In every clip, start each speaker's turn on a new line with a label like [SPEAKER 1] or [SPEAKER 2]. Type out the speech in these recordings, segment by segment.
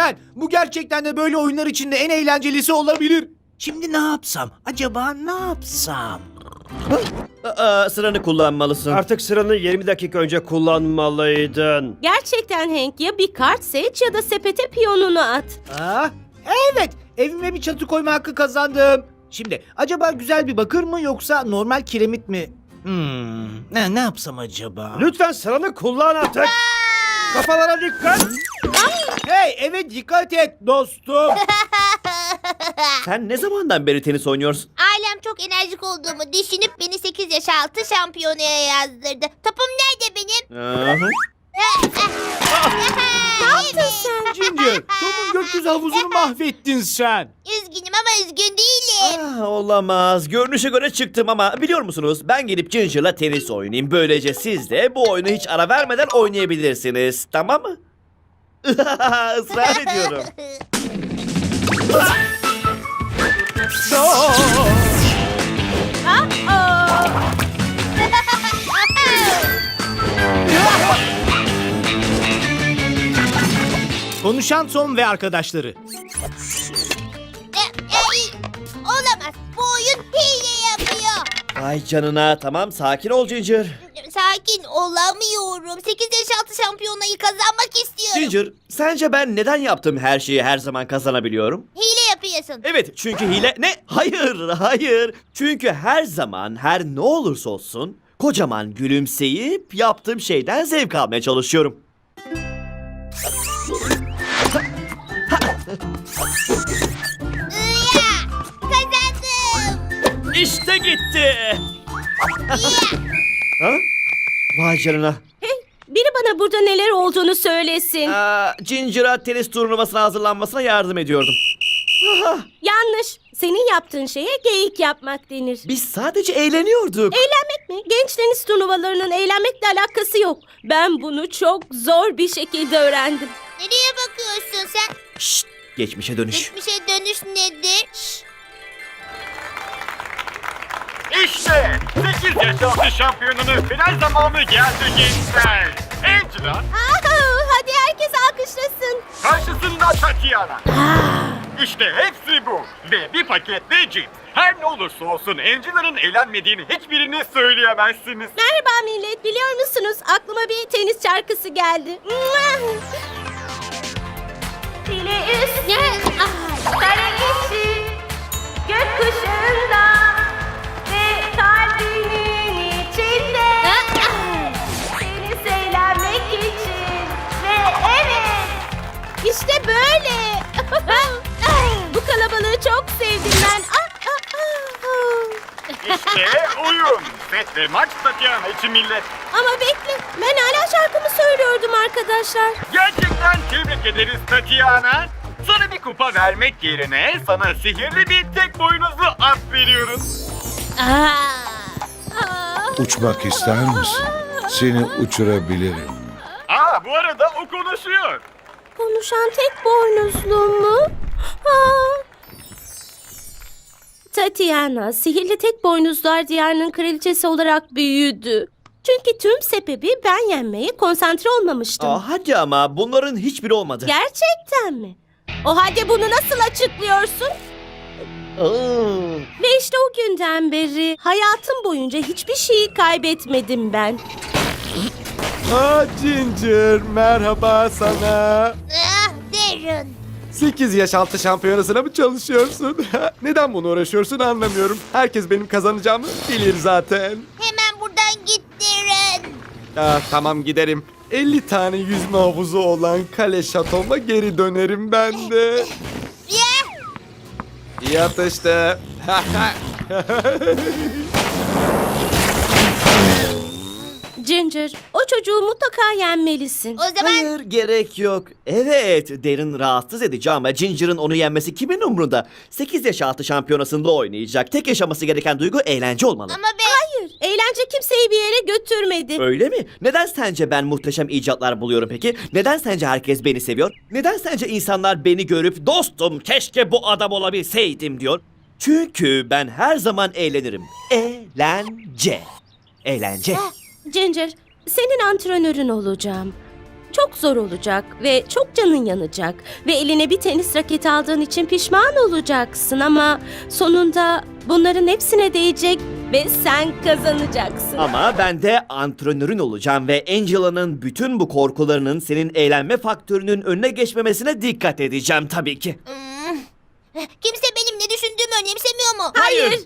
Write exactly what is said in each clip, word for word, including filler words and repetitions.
[SPEAKER 1] Lütfen. Bu gerçekten de böyle oyunlar içinde en eğlencelisi olabilir. Şimdi ne yapsam? Acaba ne yapsam?
[SPEAKER 2] Aa, sıranı kullanmalısın.
[SPEAKER 3] Artık sıranı yirmi dakika önce kullanmalıydın.
[SPEAKER 4] Gerçekten Hank, ya bir kart seç ya da sepete piyonunu at.
[SPEAKER 1] Aa, evet. Evime bir çatı koyma hakkı kazandım. Şimdi acaba güzel bir bakır mı yoksa normal kiremit mi? Hmm, ne, ne yapsam acaba?
[SPEAKER 3] Lütfen sıranı kullan artık. Kafalara dikkat.
[SPEAKER 1] Hey, eve dikkat et dostum.
[SPEAKER 2] Sen ne zamandan beri tenis oynuyorsun?
[SPEAKER 5] Ailem çok enerjik olduğumu düşünüp beni sekiz yaş altı şampiyonaya yazdırdı. Topum nerede benim?
[SPEAKER 2] Aha.
[SPEAKER 5] Ne yaptın
[SPEAKER 4] sen?
[SPEAKER 1] Ginger, Tom'un gökyüzü havuzunu mahvettin sen.
[SPEAKER 5] Üzgünüm ama üzgün değilim.
[SPEAKER 2] Ah, olamaz. Görünüşe göre çıktım ama biliyor musunuz? Ben gelip Ginger'la tenis oynayayım. Böylece siz de bu oyunu hiç ara vermeden oynayabilirsiniz. Tamam mı? Israr ediyorum.
[SPEAKER 4] Aa!
[SPEAKER 1] Konuşan Tom ve arkadaşları.
[SPEAKER 5] E, e, Olamaz. Bu oyun hile yapıyor.
[SPEAKER 2] Vay canına. Tamam, sakin ol Ginger.
[SPEAKER 5] Sakin olamıyorum. sekiz yaş altı şampiyonayı kazanmak istiyorum.
[SPEAKER 2] Ginger, sence ben neden yaptığım her şeyi her zaman kazanabiliyorum?
[SPEAKER 5] Hile yapıyorsun.
[SPEAKER 2] Evet, çünkü hile... Ne? Hayır, hayır. Çünkü her zaman, her ne olursa olsun... kocaman gülümseyip yaptığım şeyden zevk almaya çalışıyorum.
[SPEAKER 5] Iya! Kazandım.
[SPEAKER 2] İşte gitti. Ha? Vay canına.
[SPEAKER 4] Hey, biri bana burada neler olduğunu söylesin.
[SPEAKER 2] Aa, Ginger'a tenis turnuvasına hazırlanmasına yardım ediyordum.
[SPEAKER 4] Yanlış. Senin yaptığın şeye geyik yapmak denir.
[SPEAKER 2] Biz sadece eğleniyorduk.
[SPEAKER 4] Eğlenmek mi? Genç tenis turnuvalarının eğlenmekle alakası yok. Ben bunu çok zor bir şekilde öğrendim.
[SPEAKER 5] Nereye bakıyorsun sen?
[SPEAKER 2] Şşt, geçmişe dönüş.
[SPEAKER 5] Geçmişe dönüş nedir?
[SPEAKER 6] İşte sekiz yaş altı şampiyonunun final zamanı geldi gençler. Angela
[SPEAKER 4] Aa, hadi herkes alkışlasın.
[SPEAKER 6] karşısında Tatiana. İşte hepsi bu. Ve bir paket de cips. Her ne olursa olsun Angela'nın eğlenmediğini hiçbirini söyleyemezsiniz.
[SPEAKER 4] Merhaba millet, biliyor musunuz? Aklıma bir tenis şarkısı geldi. File üstü, kare içi, gökkuşağında ve kalbinin içinde. Tenis eğlenmek için ve evet, işte böyle. Bu kalabalığı çok sevdim ben. Ah, ah, ah.
[SPEAKER 6] İşte oyun. Set ve maç Tatiana için millet.
[SPEAKER 4] Ama bekle, ben hala şarkımı söylüyordum arkadaşlar.
[SPEAKER 6] Gerçekten tebrik ederiz Tatiana. Sana bir kupa vermek yerine sana sihirli bir tek boynuzlu at veriyoruz.
[SPEAKER 4] Ah.
[SPEAKER 7] Uçmak ister misin? Seni uçurabilirim.
[SPEAKER 6] Aa, bu arada o konuşuyor.
[SPEAKER 4] Konuşan tek boynuzlu mu? Aa. Tatiana, sihirli tek boynuzlar diyarının kraliçesi olarak büyüdü. Çünkü tüm sebebi ben yenmeye konsantre olmamıştım.
[SPEAKER 2] Aa, hadi ama bunların hiçbiri olmadı.
[SPEAKER 4] Gerçekten mi? O halde bunu nasıl açıklıyorsun?
[SPEAKER 2] Aa.
[SPEAKER 4] Ve işte o günden beri hayatım boyunca hiçbir şeyi kaybetmedim ben.
[SPEAKER 8] Aa Ginger, merhaba sana.
[SPEAKER 5] Ah, Darren.
[SPEAKER 8] sekiz yaş altı şampiyonasına mı çalışıyorsun? Neden bunu uğraşıyorsun anlamıyorum. Herkes benim kazanacağımı bilir zaten.
[SPEAKER 5] Hemen buradan git Darren.
[SPEAKER 8] Ah, tamam giderim. elli tane yüzme havuzu olan kale şatoma geri dönerim ben de.
[SPEAKER 5] Ya!
[SPEAKER 8] İyi atıştı.
[SPEAKER 4] Ginger, o çocuğu mutlaka yenmelisin.
[SPEAKER 5] O zaman
[SPEAKER 2] Hayır, gerek yok. Evet, Darren rahatsız edici ama Ginger'ın onu yenmesi kimin umrunda? sekiz yaş altı şampiyonasında oynayacak. Tek yaşaması gereken duygu eğlence olmalı.
[SPEAKER 5] ama ben...
[SPEAKER 4] Hayır, eğlence kimseyi bir yere götürmedi.
[SPEAKER 2] Öyle mi? Neden sence ben muhteşem icatlar buluyorum peki? Neden sence herkes beni seviyor? Neden sence insanlar beni görüp dostum keşke bu adam olabilseydim diyor? Çünkü ben her zaman eğlenirim. Eğlence. Eğlence.
[SPEAKER 4] Ginger, senin antrenörün olacağım. Çok zor olacak ve çok canın yanacak ve eline bir tenis raketi aldığın için pişman olacaksın ama sonunda bunların hepsine değecek ve sen kazanacaksın.
[SPEAKER 2] Ama ben de antrenörün olacağım ve Angela'nın bütün bu korkularının senin eğlenme faktörünün önüne geçmemesine dikkat edeceğim tabii ki.
[SPEAKER 5] Hmm. Kimse benim ne düşündüğümü önemsemiyor mu?
[SPEAKER 4] Hayır.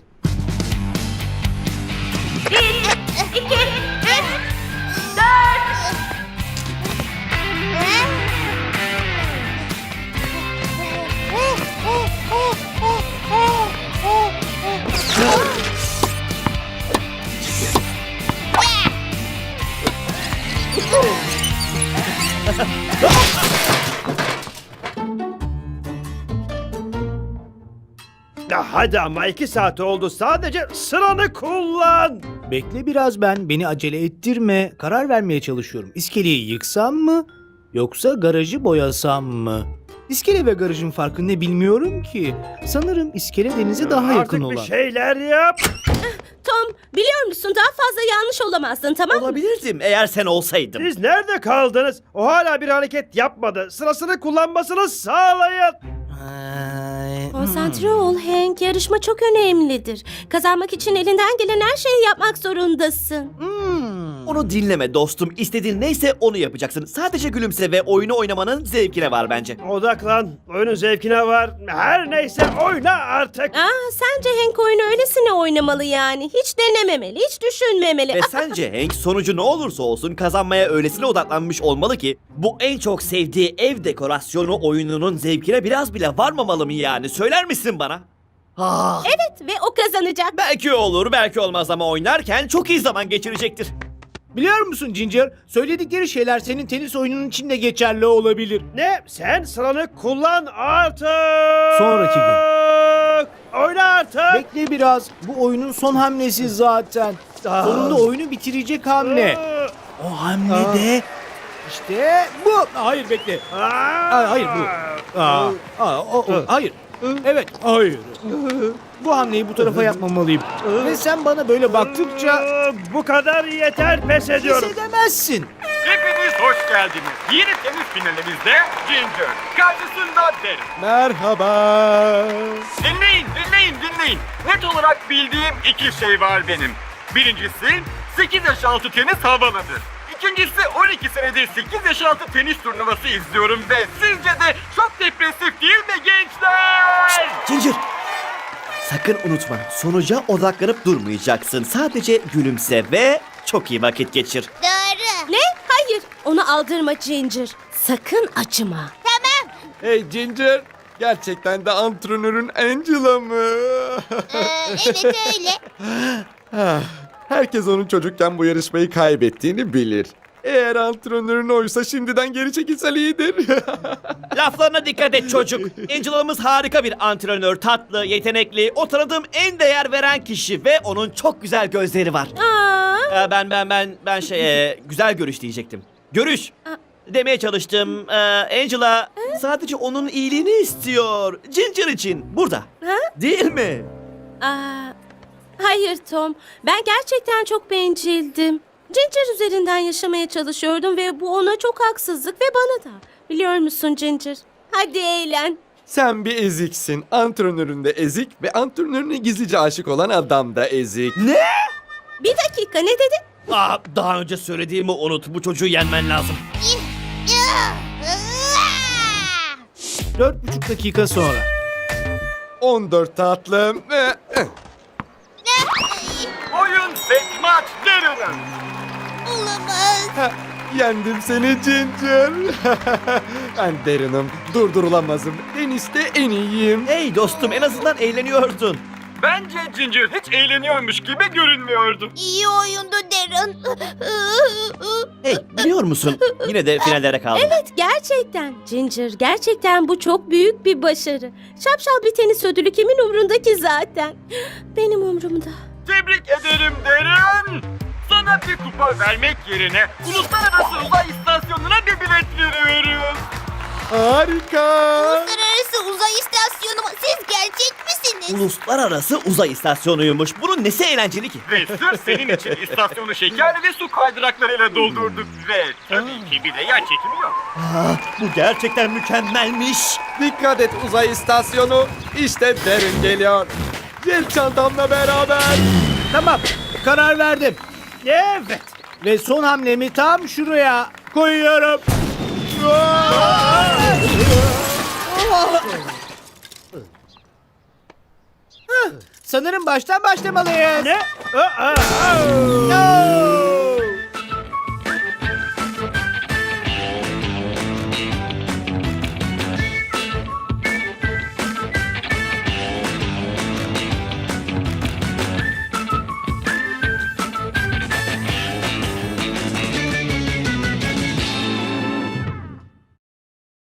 [SPEAKER 3] Ya hadi ama iki saat oldu. Sadece sıranı kullan.
[SPEAKER 1] Bekle biraz ben. Beni acele ettirme. Karar vermeye çalışıyorum. İskeleyi yıksam mı? Yoksa garajı boyasam mı? İskele ve garajın farkı ne bilmiyorum ki. Sanırım iskele denize daha yakın
[SPEAKER 3] Artık
[SPEAKER 1] olan.
[SPEAKER 3] bir şeyler yap.
[SPEAKER 4] Tom, biliyor musun daha fazla yanlış olamazdın, tamam mı?
[SPEAKER 2] Olabilirdim eğer sen olsaydın.
[SPEAKER 3] Siz nerede kaldınız? O hala bir hareket yapmadı. Sırasını kullanmasını sağlayın.
[SPEAKER 1] Ay,
[SPEAKER 4] Konsantre ol Hank, yarışma çok önemlidir. Kazanmak için elinden gelen her şeyi yapmak zorundasın.
[SPEAKER 1] hmm.
[SPEAKER 2] Onu dinleme dostum. İstediğin neyse onu yapacaksın. Sadece gülümse ve oyunu oynamanın zevkine var bence.
[SPEAKER 3] Odaklan. Oyunun zevkine var. Her neyse oyna artık.
[SPEAKER 4] Aa, sence Hank oyunu öylesine oynamalı yani. Hiç denememeli, hiç düşünmemeli.
[SPEAKER 2] Ve sence Hank sonucu ne olursa olsun kazanmaya öylesine odaklanmış olmalı ki bu en çok sevdiği ev dekorasyonu oyununun zevkine biraz bile varmamalı mı yani? Söyler misin bana? Ah,
[SPEAKER 4] Evet ve o kazanacak.
[SPEAKER 2] belki olur belki olmaz ama oynarken çok iyi zaman geçirecektir.
[SPEAKER 1] Biliyor musun Ginger? Söyledikleri şeyler senin tenis oyunun için de geçerli olabilir.
[SPEAKER 3] Ne? Sen sıranı kullan artık.
[SPEAKER 1] Sonraki
[SPEAKER 3] gün. Oyna artık.
[SPEAKER 1] Bekle biraz. Bu oyunun son hamlesi zaten.
[SPEAKER 3] Ah.
[SPEAKER 1] Sonunda oyunu bitirecek hamle. O hamle de işte bu. Hayır bekle. Aa, hayır bu. Aa, aa, o, o, hayır. Evet, hayır. Bu hamleyi bu tarafa yapmamalıyım. Ve sen bana böyle baktıkça
[SPEAKER 3] Bu kadar yeter, pes ediyorum.
[SPEAKER 1] pes edemezsin.
[SPEAKER 6] Hepiniz hoş geldiniz. Yeni tenis finalimizde Ginger, karşısında Darren.
[SPEAKER 8] Merhaba.
[SPEAKER 6] Dinleyin, dinleyin, dinleyin. Net olarak bildiğim iki şey var benim. Birincisi, sekiz yaş altı tenis havalıdır. İkincisi, on iki senedir sekiz yaş altı tenis turnuvası izliyorum ve sizce de çok depresif değil mi gençler?
[SPEAKER 2] Ginger! Sakın unutma sonuca odaklanıp durmayacaksın. Sadece gülümse ve çok iyi vakit geçir.
[SPEAKER 5] Doğru.
[SPEAKER 4] Ne? Hayır. Onu aldırma Ginger. Sakın acıma.
[SPEAKER 5] Tamam.
[SPEAKER 8] Hey Ginger. Gerçekten de antrenörün Angela mı?
[SPEAKER 5] Ee, evet öyle.
[SPEAKER 8] Ah, Herkes onun çocukken bu yarışmayı kaybettiğini bilir. Eğer antrenörün oysa şimdiden geri çekilse iyidir.
[SPEAKER 2] Laflarına dikkat et çocuk. Angela'mız harika bir antrenör, tatlı, yetenekli, o tanıdığım en değer veren kişi ve onun çok güzel gözleri var.
[SPEAKER 4] Aa,
[SPEAKER 2] Ee, ben ben ben ben şey e, güzel görüş diyecektim. Görüş demeye çalıştım. Ee, Angela sadece onun iyiliğini istiyor. Ginger için burada.
[SPEAKER 4] Ha?
[SPEAKER 2] Değil mi?
[SPEAKER 4] aa, hayır Tom. Ben gerçekten çok bencildim. Ginger üzerinden yaşamaya çalışıyordum ve bu ona çok haksızlık ve bana da. Biliyor musun Ginger? Hadi eğlen.
[SPEAKER 8] Sen bir eziksin. Antrenörün de ezik ve antrenörüne gizlice aşık olan adam da ezik.
[SPEAKER 2] Ne?
[SPEAKER 4] Bir dakika, ne dedin?
[SPEAKER 2] Aa, daha önce söylediğimi unut. Bu çocuğu yenmen lazım.
[SPEAKER 1] Dört buçuk dakika sonra.
[SPEAKER 8] on dört tatlım.
[SPEAKER 6] Oyun set maç Darren'ın.
[SPEAKER 5] Olamaz.
[SPEAKER 8] Ha, Yendim seni Ginger. Ben Darren'ım. Durdurulamazım. Teniste en iyiyim.
[SPEAKER 2] Hey dostum en azından eğleniyordun.
[SPEAKER 6] Bence Ginger hiç eğleniyormuş gibi görünmüyordu.
[SPEAKER 5] İyi oyundu Darren.
[SPEAKER 2] Hey biliyor musun? Yine de finallere kaldım.
[SPEAKER 4] Evet, gerçekten. Ginger, gerçekten bu çok büyük bir başarı. Şapşal bir tenis ödülü kimin umrunda ki zaten? Benim umrumda.
[SPEAKER 6] Tebrik ederim Darren. Sana bir kupa vermek yerine uluslararası uzay istasyonuna bir bilet veriyoruz.
[SPEAKER 8] Harika.
[SPEAKER 5] Uluslararası uzay istasyonu mu? Siz gerçek misiniz?
[SPEAKER 2] Uluslararası uzay istasyonuymuş. Bunun nesi eğlenceli ki?
[SPEAKER 6] Ve sırf senin için istasyonu şeker ve su kaydıraklarıyla doldurduk. Ve tabii ki bir de yer çekimi yok.
[SPEAKER 2] Bu gerçekten mükemmelmiş.
[SPEAKER 8] Dikkat et uzay istasyonu. İşte Darren geliyor. Jet çantamla beraber.
[SPEAKER 1] Tamam, karar verdim. Evet. Ve son hamlemi tam şuraya koyuyorum. Hah, sanırım baştan başlamalıyız. Ne?